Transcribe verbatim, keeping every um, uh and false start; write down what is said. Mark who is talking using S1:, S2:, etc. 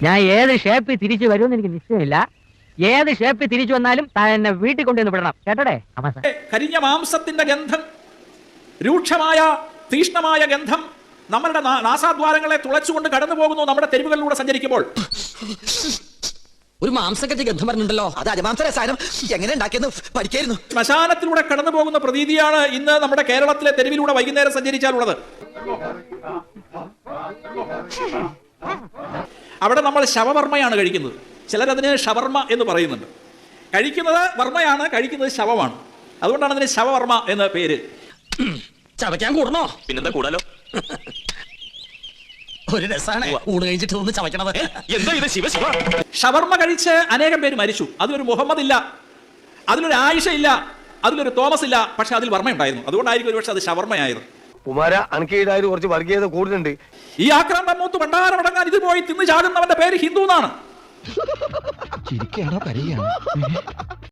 S1: ഞാൻ ഏത് ഷേപ്പിൽ തിരിച്ചു വരുമെന്ന് എനിക്ക് നിശ്ചയമില്ല. ഏത് ഷേപ്പിൽ തിരിച്ചു വന്നാലും താൻ എന്നെ വീട്ടിൽ കൊണ്ടുവന്ന് വിടണം. കേട്ടോടെ?
S2: കരിഞ്ഞ മാംസത്തിന്റെ ഗന്ധം, രൂക്ഷമായ തീഷ്ണമായ ഗന്ധം നമ്മളുടെ നാസാദ്വാരങ്ങളെ തുളച്ചുകൊണ്ട് കടന്നു പോകുന്നു നമ്മുടെ തെരുവുകളിലൂടെ സഞ്ചരിക്കുമ്പോൾ.
S3: ഒരു മാംസക്കത്തി ഗന്ധം പറഞ്ഞിട്ടുണ്ടല്ലോ, അത് അജമാംസരസായനം എങ്ങനെ ഉണ്ടാക്കിയെന്ന് പഠിക്കായിരുന്നു.
S2: ശ്മശാനത്തിലൂടെ കടന്നു പോകുന്ന പ്രതീതിയാണ് ഇന്ന് നമ്മുടെ കേരളത്തിലെ തെരുവിലൂടെ വൈകുന്നേരം സഞ്ചരിച്ചാലുള്ളത്. അവിടെ നമ്മൾ ശവവർമ്മയാണ് കഴിക്കുന്നത്. ചിലരതിന് ഷവർമ്മ എന്ന് പറയുന്നുണ്ട്. കഴിക്കുന്നത് വർമ്മയാണ്, കഴിക്കുന്നത് ശവമാണ്. അതുകൊണ്ടാണ് അതിന് ശവവർമ്മ എന്ന പേര്.
S3: ചവയ്ക്കാൻ കൂടണോ?
S4: പിന്നെന്താ കൂടാലോ.
S3: ഒരു രസാണ് ഊണ് കഴിഞ്ഞിട്ട് ഒന്ന് ചവയ്ക്കണത്.
S4: എന്താ ഇത് ശിവ ശിവ.
S2: ഷവർമ്മ കഴിച്ച് അനേകം പേര് മരിച്ചു. അതിലൊരു മുഹമ്മദ് ഇല്ല, അതിലൊരു ആയിഷ ഇല്ല, അതിലൊരു തോമസ് ഇല്ല, പക്ഷെ അതിൽ വർമ്മ ഉണ്ടായിരുന്നു. അതുകൊണ്ടായിരിക്കും ഒരു പക്ഷെ അത് ഷവർമ്മയായിരുന്നു.
S5: കുമാര അനക്കേതായാലും കുറച്ച് വർഗീയത കൂടുതലുണ്ട്.
S2: ഈ ആക്രാന്തം മൂത്ത് ഭണ്ഡാരമടങ്ങാൻ ഇത് പോയി തിന്ന് ചാടുന്നവന്റെ പേര് ഹിന്ദു എന്നാണ്.